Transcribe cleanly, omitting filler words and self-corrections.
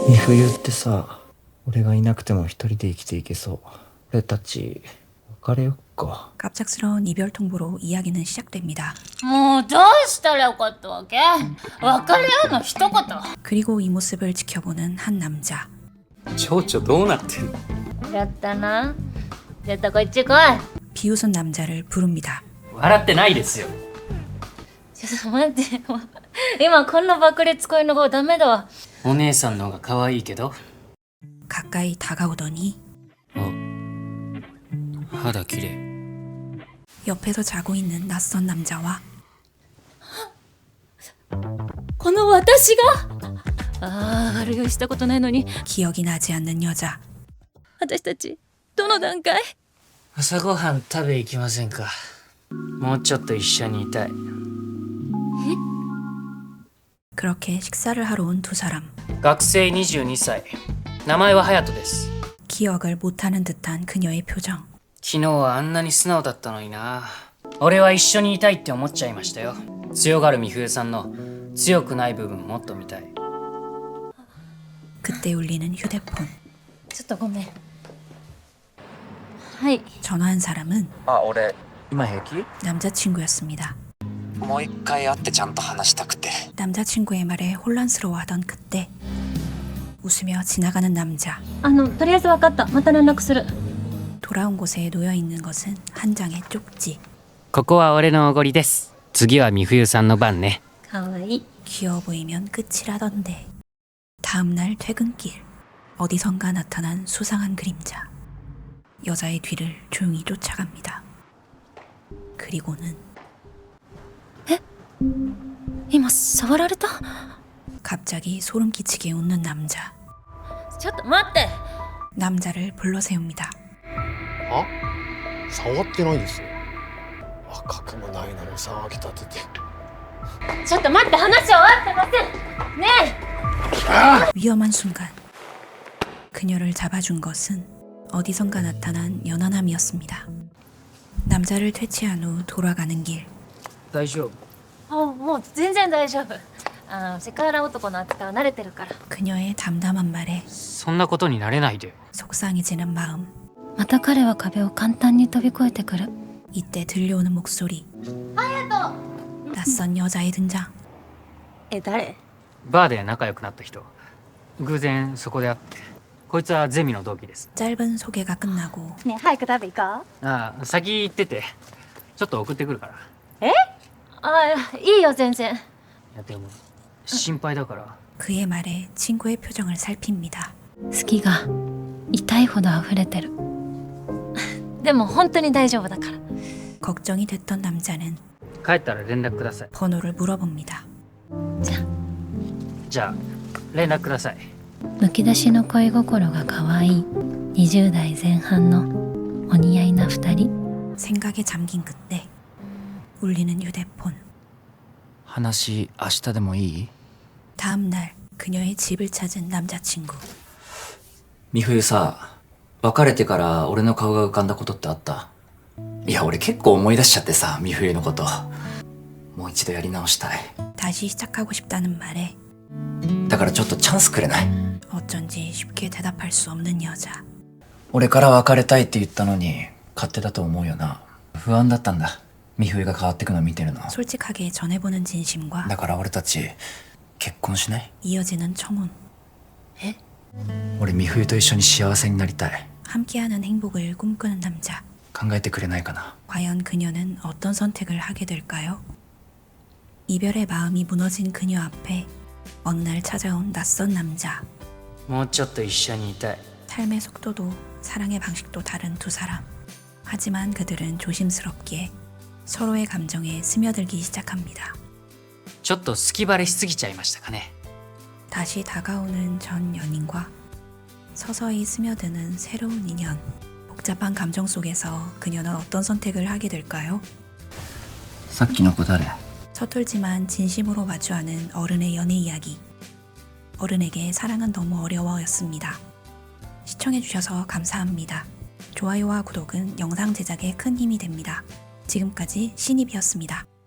美冬ってさ、俺がいなくても一人で生きていけそう。俺たち別れよっか。 갑작스러운 이별 통보로 이야기는 시작됩니다. もうどうしたらよかったわけ？別れ合うの一言。 그리고 이 모습을 지켜보는 한 남자. 蝶々どうなってんの？ やったな。ちょっとこっち来い。 비웃은 남자를 부릅니다. 笑ってないですよ。 ちょっと待って。もう今こんなばっかり使いの方ダメだわ。 お姉さんの方が可愛いけど。 가까이 다가오더니 肌綺麗。 옆에서 자고 있는 낯선 남자와 この私が悪酔いしたことないのに 기억이 나지 않는 여자. 私たちどの段階？ 朝ごはん食べ行きませんか？もうちょっと一緒にいたい。 그렇게 식사를 하러 온 두 사람. 学生22歳。名前は隼人です。 기억을 못하는 듯한 그녀의 표정. 昨日はあんなに素直だったのにな。俺は一緒にいたいって思っちゃいましたよ。強がる美冬さんの強くない部分もっと見たい。 그때 울리는 휴대폰. ちょっとごめん。はい。 전화한 사람은 あ、俺今平気？ 남자친구였습니다. もう一回会ってちゃんと話したくて。 남자친구의 말에 혼란스러워하던 그때 웃으며 지나가는 남자. とりあえず分かった。また連絡する。 돌아온 곳에 놓여있는 것은 한 장의 쪽지. ここは俺のおごりです。次は美冬さんの番ね。 かわいい。 귀여워 보이면 끝이라던데. 다음날 퇴근길. 어디선가 나타난 수상한 그림자. 여자의 뒤를 조용히 쫓아갑니다. 그리고는 今触られた？ 갑자기 소름 끼치게 웃는 남자. ちょっと待って。 남자를 불러세웁니다. あ、触ってないですよ。赤くもないのに騒ぎ立てて。 ちょっと待って、話終わってません。ねえ。 위험한 순간 그녀를 잡아준 것은 어디선가 나타난 연하남이었습니다. 남자를 퇴치한 후 돌아가는 길. 大丈夫？ もう全然大丈夫。セクハラ男の扱いは慣れてるから。 그녀의 담담한 말에 そんなことになれないで。 속상해지는 마음. また彼は壁を簡単に飛び越えてくる。 이때 들려오는 목소리. 낯선 여자의 등장. 誰？ バーで仲良くなった人。偶然そこで会って。こいつはゼミの同期です。 짧은 소개가 끝나고 ねえ、早く食べ行こう。 ああ、先行ってて。ちょっと送ってくるから。 いいよ全然。 いやでも心配だから。 그의 말에 친구의 표정을 살핍니다. 好きが痛いほど溢れてる。でも本当に大丈夫だから。 걱정이 됐던 남자는 帰ったら連絡ください。 번호를 물어봅니다. じゃあ連絡ください。 むき出しの恋心が可愛い20代前半のお似合いな2人。 생각에 잠긴 그때 울리는 휴대폰. 話明日でもいい？ 다음 날 그녀의 집을 찾은 남자친구. 美冬さ、別れてから俺の顔が浮かんだことってあった？いや俺結構思い出しちゃってさ、美冬のこと。もう一度やり直したい。 다시 시작하고 싶다는 말에 だからちょっとチャンスくれない？ 어쩐지 쉽게 대답할 수 없는 여자. 俺から別れたいって言ったのに勝手だと思うよな。不安だったんだ。美冬が変わってくの見てるの。 솔직하게 전해보는 진심과 だから俺たち結婚しない？ 이어지는 청혼. 俺美冬と一緒に幸せになりたい。 함께하는 행복을 꿈꾸는 남자. 考えてくれないかな？ 과연 그녀는 어떤 선택을 하게 될까요? 이별의 마음이 무너진 그녀 앞에 어느 날 찾아온 낯선 남자. もうちょっと一緒にいたい。 삶의 속도도 사랑의 방식도 다른 두 사람. 하지만 그들은 조심스럽게 서로의 감정에 스며들기 시작합니다. ちょっと好きバレしすぎちゃいましたかね。 다시 다가오는 전 연인과 서서히 스며드는 새로운 인연. 복잡한 감정 속에서 그녀는 어떤 선택을 하게 될까요? さっきの子誰？ 서툴지만 진심으로 마주하는 어른의 연애 이야기. 어른에게 사랑은 너무 어려워였습니다. 시청해주셔서 감사합니다. 좋아요와 구독은 영상 제작에 큰 힘이 됩니다. 지금까지 신입이었습니다.